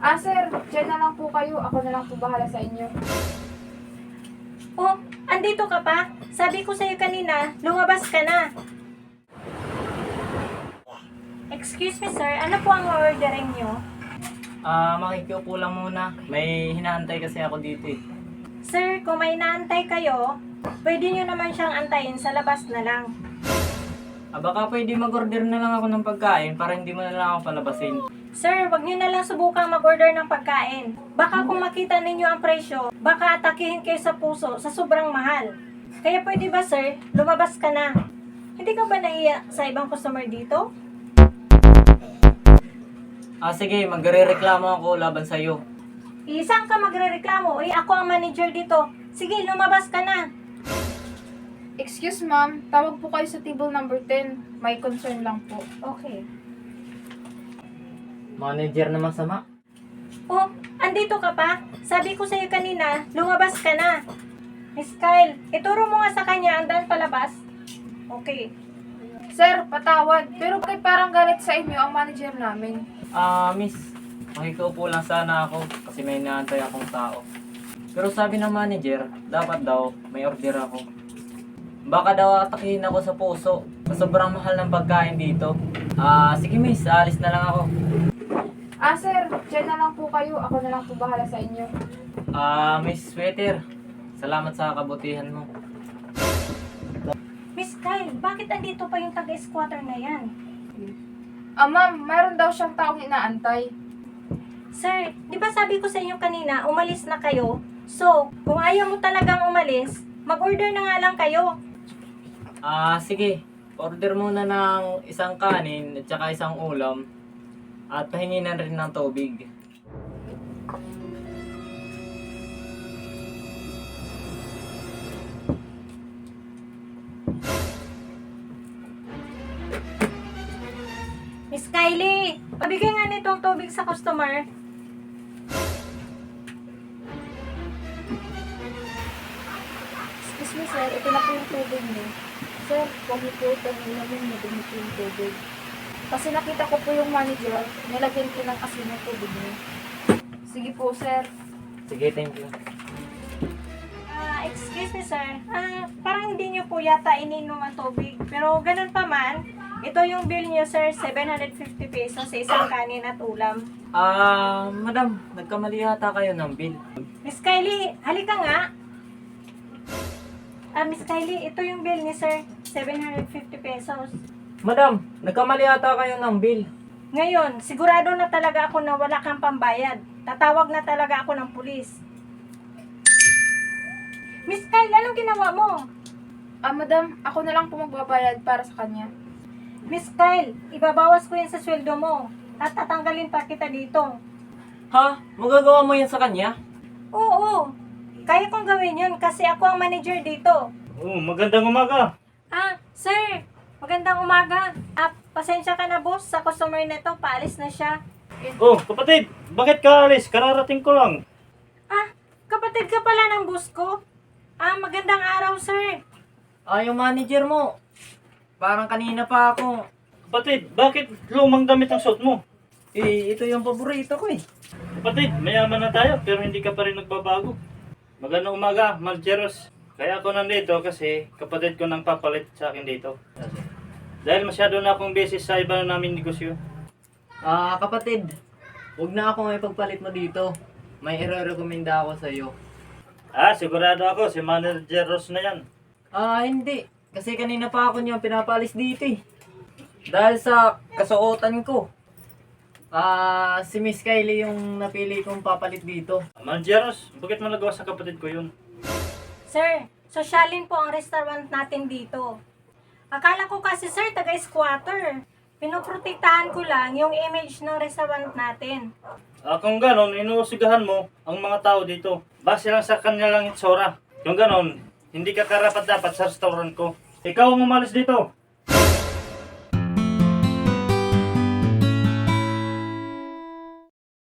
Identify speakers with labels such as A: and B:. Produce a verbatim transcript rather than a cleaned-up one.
A: Ah, sir, dyan na lang po kayo. Ako na lang po bahala sa inyo.
B: Oh, andito ka pa? Sabi ko sa'yo kanina, lumabas ka na. Excuse me sir, ano po ang ordering nyo?
C: Ah, makikiupo lang muna. May hinaantay kasi ako dito eh.
B: Sir, kung may naantay kayo, pwede nyo naman siyang antayin sa labas na lang.
C: Ah, baka pwede mag-order na lang ako ng pagkain para hindi mo na lang ako palabasin.
B: Sir, wag nyo na lang subukang mag-order ng pagkain. Baka kung makita ninyo ang presyo, baka atakihin kayo sa puso sa sobrang mahal. Kaya pwede ba sir, lumabas ka na. Hindi ka ba nahiya sa ibang customer dito?
C: Ah, sige, magre-reklamo ako laban sa'yo.
B: Isang ka magrereklamo, eh ako ang manager dito. Sige, lumabas ka na.
A: Excuse ma'am, tawag po kayo sa table number ten. May concern lang po.
B: Okay.
C: Manager na masama.
B: Oh, andito ka pa? Sabi ko sa'yo kanina, lumabas ka na. Miss Kyle, ituro mo nga sa kanya ang daan palabas. Okay.
A: Sir, patawad. Pero bakit parang galit sa inyo ang manager namin?
C: Ah, miss, makikiupo lang sana ako kasi may inaantay akong tao. Pero sabi ng manager, dapat daw may order ako. Baka daw atakihin ako sa puso sa sobrang mahal ng pagkain dito. Ah, sige miss, alis na lang ako.
A: Ah, sir, dyan na lang po kayo. Ako na lang po bahala sa inyo.
C: Ah, Miss Sweater, salamat sa kabutihan mo.
B: Miss Kyle, bakit andito pa yung taga-squatter na yan?
A: Ah, ma'am, mayroon daw siyang taong inaantay.
B: Sir, di ba sabi ko sa inyo kanina, umalis na kayo? So, kung ayaw mo talagang umalis, mag-order na nga lang kayo.
C: Ah, sige. Order muna ng isang kanin at saka isang ulam. At pahingi na rin ng tubig.
B: Miss Kylie, pabigay nga nitong tubig sa customer.
A: Excuse me, sir. Ito na po yung tubig niyo. Sir, huwag niyo po ito nilamin na dumi po yung tubig. Kasi nakita ko po yung manager, nilagyan ko ng asin ng tubig niyo. Sige po, sir.
C: Sige, thank you.
B: Ah, excuse me sir. Ah, parang hindi niyo po yata ininom ang tubig. Pero ganun pa man, ito yung bill niyo sir, seven hundred fifty pesos sa isang kanin at ulam.
C: Ah, madam, nagkamali yata kayo ng bill.
B: Miss Kylie, halika nga. Ah, Miss Kylie, ito yung bill ni sir, seven hundred fifty pesos.
C: Madam, nagkamali yata kayo ng bill.
B: Ngayon, sigurado na talaga ako na wala kang pambayad. Tatawag na talaga ako ng pulis. Miss Kyle, anong ginawa mo?
A: Ah, madam, ako na lang po magbabayad para sa kanya.
B: Miss Kyle, ibabawas ko yan sa sweldo mo. At tatanggalin pa kita dito.
C: Ha? Magagawa mo yan sa kanya?
B: Oo, kaya kong gawin yun kasi ako ang manager dito.
D: Oh, magandang umaga.
B: Ah, sir, magandang umaga. Ah, pasensya ka na boss, sa customer na to, paalis na siya.
D: Oh, kapatid, bakit ka alis? Kararating ko lang.
B: Ah, kapatid ka pala ng boss ko? Ah, magandang araw sir.
C: Ah, yung manager mo. Parang kanina pa ako.
D: Kapatid, bakit lumang damit ang suot mo?
C: Eh, ito yung paborito ko eh.
D: Kapatid, mayaman na tayo pero hindi ka pa rin nagbabago. Magandang umaga, Maljeros. Kaya ako nandito kasi kapatid ko nang papalit sa akin dito. Dahil masyado na akong busy sa iba na namin negosyo.
C: Ah, kapatid, huwag na ako may pagpalit mo dito. May i-recommenda ako sa iyo.
D: Ah, sigurado ako, si Manager Ross na yan.
C: Ah, hindi. Kasi kanina pa ako niyo pinapalis dito eh. Dahil sa kasuotan ko. Ah, si Miss Kylie yung napili kong papalit dito.
D: Manager Ross, bakit mo nagawa sa kapatid ko yun?
B: Sir, sosyalin po ang restaurant natin dito. Akala ko kasi sir, taga-squatter. Pinoprotektahan ko lang yung image ng restaurant natin.
D: Ah, kung ganon, inuusigahan mo ang mga tao dito. Base lang sa kanya lang itsura. Kung ganon, hindi ka karapat dapat sa restaurant ko. Ikaw ang umalis dito.